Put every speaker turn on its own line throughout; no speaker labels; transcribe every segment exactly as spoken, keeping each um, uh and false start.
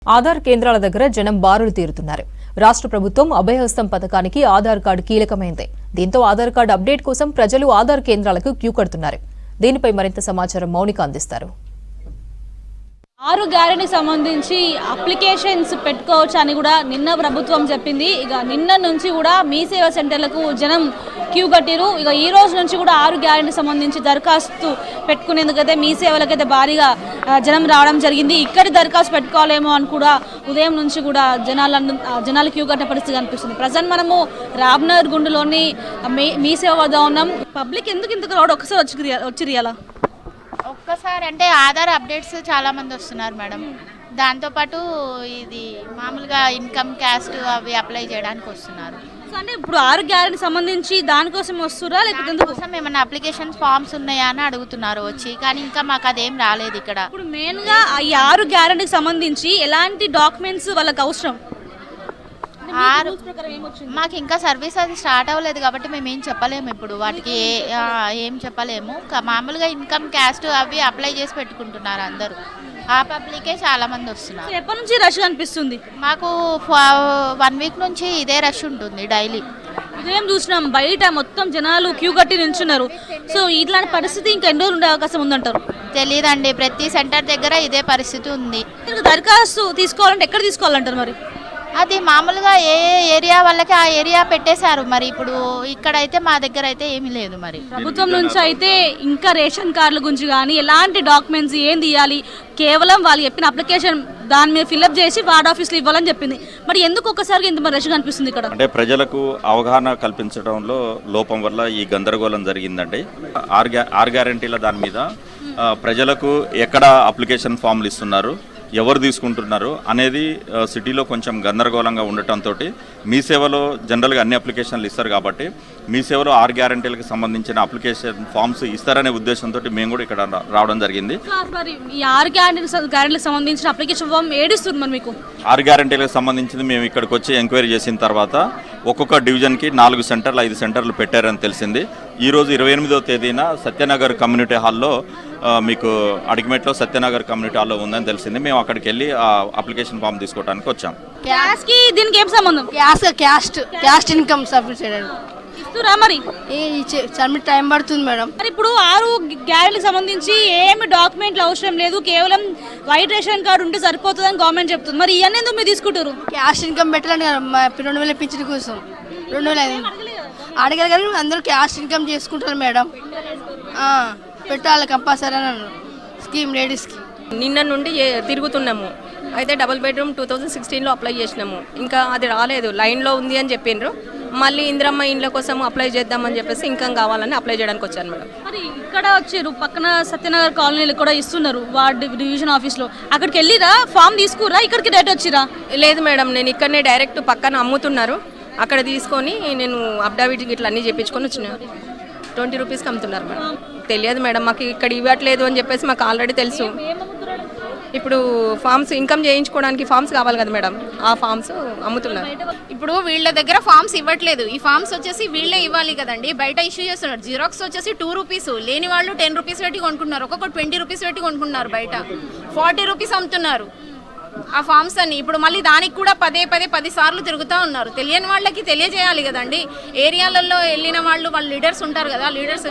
ఆధార్ కేంద్రాల దగ్గర జనం బారులు తీరుతున్నారు. రాష్ట్ర ప్రభుత్వం అభయహస్తం పథకానికి ఆధార్ కార్డు కీలకమైంది. దీంతో ఆధార్ కార్డు అప్డేట్ కోసం ప్రజలు ఆధార్ కేంద్రాలకు క్యూ కడుతున్నారు. దీనిపై మరింత సమాచారం మౌనిక అందిస్తారు.
ఆరు గ్యారెంటీ సంబంధించి అప్లికేషన్స్ పెట్టుకోవచ్చు అని కూడా నిన్న ప్రభుత్వం చెప్పింది. ఇక నిన్న నుంచి కూడా మీ సేవా సెంటర్లకు జనం క్యూ కట్టిరు. ఇక ఈ రోజు నుంచి కూడా ఆరు గ్యారెంటీ సంబంధించి దరఖాస్తు పెట్టుకునేందుకైతే మీ సేవలకైతే భారీగా జనం రావడం జరిగింది. ఇక్కడ దరఖాస్తు పెట్టుకోవాలేమో అని కూడా ఉదయం నుంచి కూడా జనాల జనాలు క్యూ కట్టిన పరిస్థితి కనిపిస్తుంది. ప్రజెంట్ మనము రామ్నగర్ గుండులోని మీ సేవ వద్ద ఉన్నాం. పబ్లిక్ ఎందుకు ఇంతకు రావడం ఒకసారి వచ్చి వచ్చి రియాలా
ఒక్కసారి అంటే ఆధార్ అప్డేట్స్ చాలా మంది వస్తున్నారు మేడం. దాంతోపాటు ఇది మామూలుగా ఇన్కమ్ క్యాస్ట్ అవి అప్లై చేయడానికి వస్తున్నారు.
సో అంటే ఇప్పుడు ఆరు గ్యారెంటీ సంబంధించి దానికోసం వస్తురా లేకపోతే
దానికోసం ఏమైనా అప్లికేషన్ ఫామ్స్ ఉన్నాయా అని అడుగుతున్నారు వచ్చి, కానీ ఇంకా మాకు అదేం రాలేదు. ఇక్కడ
ఇప్పుడు మెయిన్గా ఈ ఆరు గ్యారెంటీకి సంబంధించి ఎలాంటి డాక్యుమెంట్స్ వాళ్ళకి అవసరం?
ఆరు మాకు ఇంకా సర్వీస్ అది స్టార్ట్ అవ్వలేదు కాబట్టి మేము ఏం చెప్పలేము. ఇప్పుడు వాటికి ఏం చెప్పలేము. మామూలుగా ఇన్కమ్ క్యాస్ట్ అవి అప్లై చేసి పెట్టుకుంటున్నారు అందరూ. ఆ పబ్లికే చాలా మంది వస్తున్నారు.
ఎప్పటి నుంచి రష్ అనిపిస్తుంది?
మాకు వన్ వీక్ నుంచి ఇదే రష్ ఉంటుంది డైలీ.
ఉదయం చూసినాం బయట మొత్తం జనాలు క్యూ కట్టి నిల్చున్నారు. సో ఇట్లాంటి పరిస్థితి ఇంకా ఎన్ని రోజులు ఉండే అవకాశం ఉందంటారు?
తెలియదండి, ప్రతి సెంటర్ దగ్గర ఇదే పరిస్థితి ఉంది.
దరఖాస్తు తీసుకోవాలంటే ఎక్కడ తీసుకోవాలంటారు మరి?
అది మామూలుగా ఏ ఏరియా వాళ్ళకి ఆ ఏరియా పెట్టేశారు. మరి ఇప్పుడు ఇక్కడైతే మా దగ్గర అయితే ఏమీ లేదు. మరి
ప్రభుత్వం నుంచి అయితే ఇంకా రేషన్ కార్డుల గురించి కానీ ఎలాంటి డాక్యుమెంట్స్ ఏం తీయాలి, కేవలం వాళ్ళు చెప్పిన అప్లికేషన్ దాని మీద ఫిల్అప్ చేసి వార్డ్ ఆఫీస్లో ఇవ్వాలని చెప్పింది. మరి ఎందుకు ఒక్కసారిగా ఇంత మరి రష్ కనిపిస్తుంది ఇక్కడ?
అంటే ప్రజలకు అవగాహన కల్పించడంలో లోపం వల్ల ఈ గందరగోళం జరిగిందండి. ఆర్ గ్యా ఆర్ గ్యారంటీల దాని మీద ప్రజలకు ఎక్కడ అప్లికేషన్ ఫామ్లు ఇస్తున్నారు, ఎవరు తీసుకుంటున్నారు అనేది సిటీలో కొంచెం గందరగోళంగా ఉండటంతో మీ సేవలో జనరల్గా అన్ని అప్లికేషన్లు ఇస్తారు కాబట్టి మీ సేవలో ఆరు గ్యారంటీలకు సంబంధించిన అప్లికేషన్ ఫామ్స్ ఇస్తారనే ఉద్దేశంతో మేము కూడా ఇక్కడ రావడం జరిగింది.
ఆరు గ్యారంటీలకు సంబంధించిన అప్లికేషన్ ఫామ్ ఏడిస్తుంది మరి మీకు?
ఆరు గ్యారంటీలకు సంబంధించింది మేము ఇక్కడికి వచ్చి ఎంక్వైరీ చేసిన తర్వాత ఒక్కొక్క డివిజన్కి నాలుగు సెంటర్లు ఐదు సెంటర్లు పెట్టారని తెలిసింది. ఈరోజు ఇరవై ఎనిమిదవ తేదీన సత్యనగర్ కమ్యూనిటీ హాల్లో మీకు అడిగిమెట్లో సత్యనగర్ కమ్యూనిటీ హాల్లో ఉందని తెలిసింది. మేము అక్కడికి వెళ్ళి ఆ అప్లికేషన్ ఫామ్ తీసుకోవడానికి వచ్చాం.
క్యాష్ కి దీనికి ఏం సంబంధం?
Cash caste caste income submit చేయడానికి
ఇస్తురా మరి?
సబ్మిట్ టైం పడుతుంది మేడం.
మరి ఇప్పుడు ఆరు గ్యారెంటీకి సంబంధించి ఏమి డాక్యుమెంట్లు అవసరం లేదు, కేవలం వైట్ రేషన్ కార్డు ఉంటే సరిపోతుందని గవర్నమెంట్ చెప్తుంది. మరి ఇవన్నీ ఎందుకు మీరు తీసుకుంటారు?
క్యాష్ ఇన్కమ్ పెట్టాలని రెండు వేల పింఛన్ కోసం రెండు వేల ఐదు అడగారు కానీ అందరూ క్యాష్ ఇన్కమ్ చేసుకుంటారు మేడం. పెట్టాలి కంపల్సరీ అని స్కీమ్ లేడీస్కి.
నిన్న నుండి తిరుగుతున్నాము. అయితే డబుల్ బెడ్రూమ్ టూ థౌజండ్ సిక్స్టీన్లో అప్లై చేసినాము. ఇంకా అది రాలేదు, లైన్లో ఉంది అని చెప్పిండ్రు. మళ్ళీ ఇందిరమ్మ ఇండ్ల కోసం అప్లై చేద్దామని చెప్పేసి ఇంకా కావాలని అప్లై చేయడానికి వచ్చాను మేడం.
మరి ఇక్కడ వచ్చారు పక్కన సత్యనగర్ కాలనీలు కూడా ఇస్తున్నారు వార్డ్ డివిజన్ ఆఫీస్లో. అక్కడికి వెళ్ళిరా ఫామ్ తీసుకురా, ఇక్కడికి డైరెక్ట్ వచ్చిరా?
లేదు మేడం, నేను ఇక్కడనే డైరెక్ట్ పక్కన అమ్ముతున్నారు, అక్కడ తీసుకొని నేను అప్డావిట్ ఇట్లా అన్నీ చెప్పించుకొని వచ్చిన. ట్వంటీ రూపీస్కి అమ్ముతున్నారు మేడం. తెలియదు మేడం, మాకు ఇక్కడ ఇవ్వట్లేదు అని చెప్పేసి మాకు ఆల్రెడీ తెలుసు. ఇప్పుడు ఫామ్స్ ఇన్కమ్ చేయించుకోవడానికి ఫామ్స్ కావాలి కదా మేడం, ఆ ఫామ్స్ అమ్ముతున్నారు.
ఇప్పుడు వీళ్ళ దగ్గర ఫామ్స్ ఇవ్వట్లేదు, ఈ ఫామ్స్ వచ్చేసి వీళ్ళే ఇవ్వాలి కదండి. బయట ఇష్యూ చేస్తున్నారు. జిరాక్స్ వచ్చేసి టూ రూపీస్, లేని వాళ్ళు టెన్ రూపీస్ పెట్టి కొనుక్కున్నారు, ఒక్కొక్క ట్వంటీ రూపీస్ పెట్టి కొనుక్కున్నారు. బయట ఫార్టీ రూపీస్ అమ్ముతున్నారు ఆ ఫామ్స్ అన్ని. ఇప్పుడు మళ్ళీ దానికి కూడా పదే పదే పది సార్లు తిరుగుతూ ఉన్నారు. తెలియని వాళ్ళకి తెలియజేయాలి కదండి. ఏరియాలలో వెళ్ళిన వాళ్ళు వాళ్ళ లీడర్స్ ఉంటారు కదా, లీడర్స్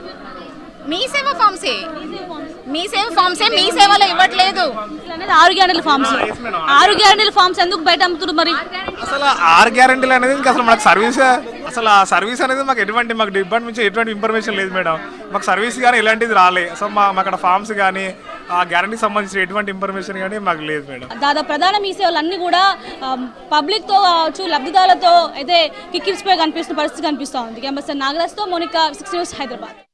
మీ సేవ ఫామ్సే మీ సేవ ఫామ్సే మీ సేవలో ఇవ్వట్లేదు.
ఆరు గ్యారెంటీల ఫామ్స్ ఆరు గ్యారెంటీల ఫామ్స్ ఎందుకు బయట అమ్ముతున్నారు మరి?
అసలు ఆరు గ్యారెంటీలు అనేది ఇంకా అసలు మనకు సర్వీస్ అసలు ఆ సర్వీస్ అనేది మాకు ఎటువంటి మాకు డిపార్ట్మెంట్ నుంచి ఎటువంటి ఇన్ఫర్మేషన్ లేదు మేడం. మాకు సర్వీస్ కానీ ఎలాంటిది రాలే. సో మా అక్కడ ఫామ్స్ కానీ ఆ గ్యారెంటీకి సంబంధించిన ఎటువంటి ఇన్ఫర్మేషన్ కానీ మాకు లేదు మేడం.
దాదాపు ప్రధాన మీ సేవలు అన్ని కూడా పబ్లిక్తో కావచ్చు, లబ్ధిదారులతో అయితే కిక్కిరిసిపోయి కనిపిస్తున్న పరిస్థితి కనిపిస్తూ ఉంది. కెంపస్ నాగరాజ్తో మోనికా, సిక్స్ న్యూస్, హైదరాబాద్.